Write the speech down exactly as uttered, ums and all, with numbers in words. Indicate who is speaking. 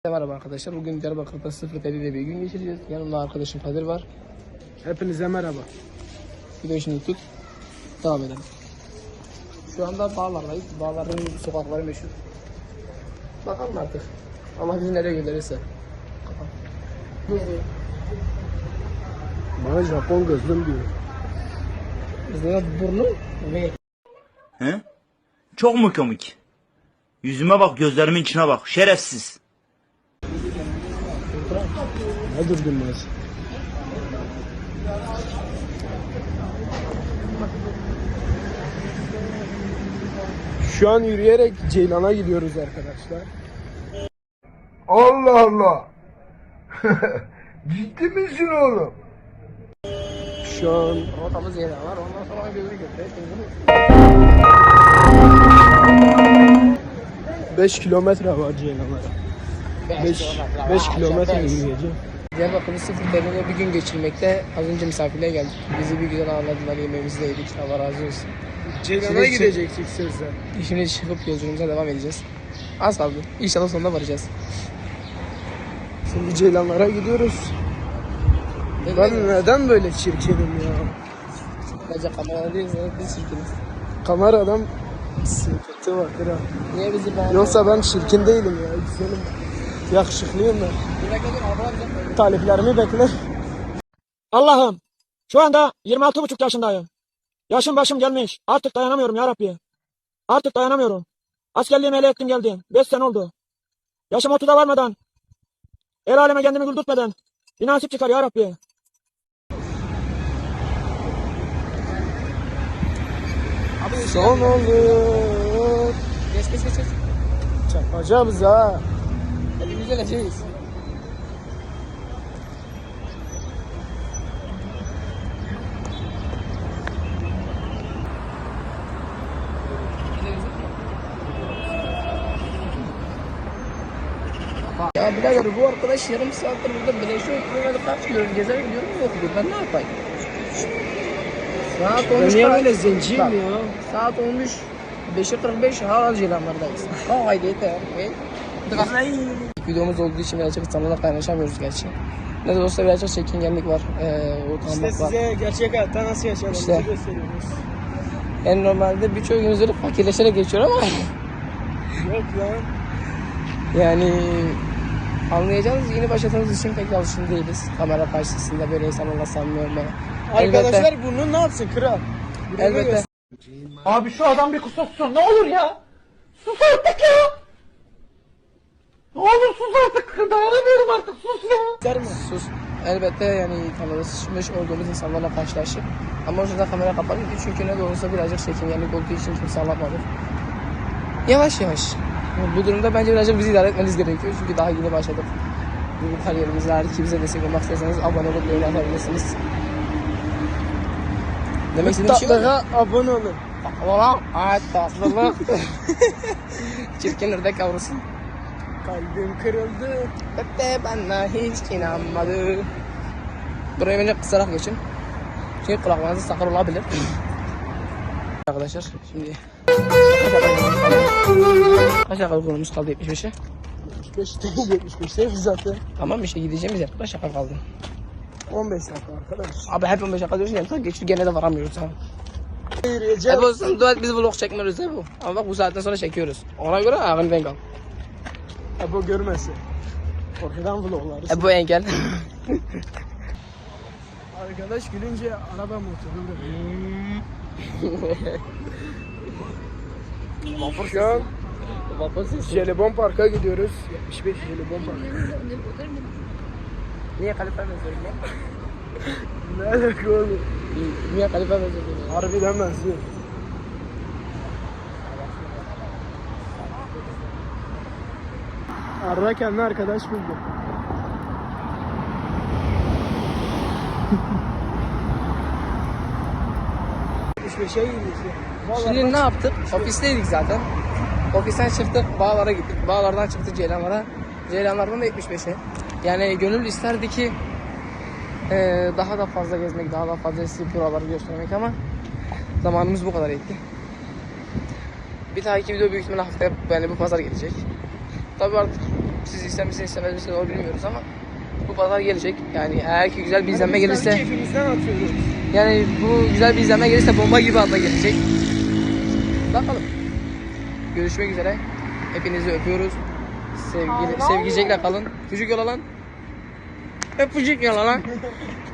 Speaker 1: Merhaba arkadaşlar. Bugün Diyarbakır'da sıfır ile bir gün geçireceğiz. Yanımda arkadaşım Kadir var.
Speaker 2: Hepinize merhaba.
Speaker 1: Videoyu şimdi tut. Devam edelim. Şu anda Bağlar'dayız. Bağlar'ın sokakları meşhur. Bakalım artık. Allah bizi nereye gönderirse.
Speaker 2: Bana Japon gözlüm diyor.
Speaker 1: Bizde burnu ve
Speaker 3: He? Çok mu komik? Yüzüme bak, gözlerimin içine bak. Şerefsiz.
Speaker 2: Ne durdun biraz? Şu an yürüyerek Ceylan'a gidiyoruz arkadaşlar.
Speaker 4: Allah Allah. Ciddi misin oğlum?
Speaker 2: Şu an
Speaker 1: rotamız yeri var. Ondan sonra gözü götürüyor.
Speaker 2: beş kilometre var Ceylan'a. beş kilometre yürüyeceğim.
Speaker 1: Diyarbakır'da sıfır ile bir gün geçirmekte. Az önce misafirliğe geldik. Bizi bir güzel ağırladılar. Yemeğimizi de yedik. Allah razı olsun.
Speaker 2: Ceylan'a
Speaker 1: Şimdi-
Speaker 2: gidecektik sözde.
Speaker 1: Şimdi çıkıp yolculuğumuza devam edeceğiz. Az kaldı. İnşallah sonunda varacağız.
Speaker 2: Şimdi Ceylanlara gidiyoruz. Ben neden böyle çirkinim ya?
Speaker 1: Bence kamerada değiliz. Biz çirkiniz.
Speaker 2: Kameradan sıkıntı vardır ha.
Speaker 1: Niye bizi beğenmiyor?
Speaker 2: Yoksa ben çirkin değilim ya. Güzelim. Yakışıklıyım ben.
Speaker 1: Bir dakika dur. Ablam bize-
Speaker 2: Taliplerimi bekler.
Speaker 5: Allah'ım, şu anda yirmi altı buçuk yaşındayım. Yaşım başım gelmiş. Artık dayanamıyorum ya Rabbi. Artık dayanamıyorum. Askerliğimi ele ettim geldim. beş sene oldu. Yaşım otuza varmadan, el aleme kendimi güldürtmeden bir nasip çıkar ya Rabbi.
Speaker 2: Son olur.
Speaker 1: Geç geç geç. geç.
Speaker 2: Çakacağız ha.
Speaker 1: Hadi güzel açıyız. Ya birader bu arkadaş yarım saattir burada beleşe oturuyor. Kaç kilometre gezer gidiyorum mu okuyor? Ben ne yapayım? Saat
Speaker 2: Ben
Speaker 1: olmuş.
Speaker 2: niye
Speaker 1: kaç?
Speaker 2: böyle zenciyim
Speaker 1: Bak,
Speaker 2: ya?
Speaker 1: Saat olmuş beşe kırk beş hala Ceylanlardayız. Kalk haydi yeter. Videomuz olduğu için birazcık insanlarla kaynaşamıyoruz gerçi. Ne de olsa birazcık çekingenlik var. Ee, utanmak
Speaker 2: İşte
Speaker 1: var.
Speaker 2: size gerçek hayatta nasıl yaşadığımızı
Speaker 1: İşte.
Speaker 2: gösteriyoruz.
Speaker 1: Yani normalde birçok günümüzü fakirleşerek geçiyor ama
Speaker 2: Yok lan.
Speaker 1: yani anlayacağınız yeni başladığımız için pek alışkın değiliz. Kamera karşısında böyle insanlarla samimi olmaya.
Speaker 2: Arkadaşlar bunu ne yapsın kral? Bunu
Speaker 1: Elbette.
Speaker 2: göster-
Speaker 5: Abi şu adam bir kusursun, ne olur ya. Sus artık ya. Ne olur sus artık, dayanamıyorum artık, sus ya.
Speaker 2: Göster mi?
Speaker 1: Sus. Elbette yani tanışmış olduğumuz insanlarla karşılaştık. Ama o sırada kamera kapalıydı çünkü ne de olsa birazcık çekingenlik olduğu için kimse anlatmadı. Yavaş yavaş. Bu durumda bence birazcık bizi idare etmeniz gerekiyor çünkü daha yeni başladık. Bu kariyerimizde eğer ki bize destek olmak isterseniz abone olup beğeni atabilirsiniz. Demek istediğim şey var mı?
Speaker 2: Tatlığa abone olun.
Speaker 1: Ulan evet tatlılık. Çirkin ördek yavrusu.
Speaker 2: Kalbim kırıldı.
Speaker 1: Hatta bana hiç inanmadı. Buraya bence kısarak geçin. Çünkü kulaklarınızı sakar olabilir. Arkadaşlar şimdi kaç dakika konumuz kaldı? yetmiş beşe.
Speaker 2: yetmiş beş değil yetmiş beş değil zaten.
Speaker 1: Tamam işte gideceğimiz yer kaç dakika kaldı?
Speaker 2: on beş dakika arkadaş.
Speaker 1: Abi hep on beş dakika diyorsun ya geçti gene de varamıyoruz ha.
Speaker 2: Yürüyeceğiz.
Speaker 1: Hep olsun dua et biz vlog çekmiyoruz he bu. Ama bak bu saatten sonra çekiyoruz. Ona göre ağın denk al.
Speaker 2: Ebo görmesin. Korkudan vloglarız.
Speaker 1: E bu engel.
Speaker 2: Arkadaş gülünce araba motoru
Speaker 1: Vapur
Speaker 2: Şu an
Speaker 1: Vapur sesi.
Speaker 2: Jelibon Park'a gidiyoruz. yetmiş beş Jelibon Park.
Speaker 1: Niye kalife benziyorum ya?
Speaker 2: Ne alaka oğlum?
Speaker 1: Niye kalife benziyorum ya?
Speaker 2: Harbiden benziyor. Arda kendi arkadaş buldu. yetmiş beşe gidiyoruz.
Speaker 1: Şimdi ne yaptık? Ofisteydik zaten. Ofisten çıktık, Bağlar'a gittik. Bağlar'dan çıktık Ceylanlar'a. Ceylanlar'dan da yetmiş beşe. Yani gönül isterdi ki e, daha da fazla gezmek, daha da fazla size buraları göstermek ama zamanımız bu kadar yetti. Bir dahaki video büyük ihtimalle haftaya yani bu pazar gelecek. Tabii artık Siz ister misiniz istemez misiniz onu bilmiyoruz ama bu pazar gelecek. Yani eğer ki güzel bir izlenme
Speaker 2: Biz tabii
Speaker 1: gelirse,
Speaker 2: keyfimizden atıyoruz.
Speaker 1: yani bu güzel bir izlenme gelirse bomba gibi anda gelecek. Bakalım. Görüşmek üzere. Hepinizi öpüyoruz. Sevgili, sevgicekle kalın. Çocuk yola lan. Öpücük yola lan.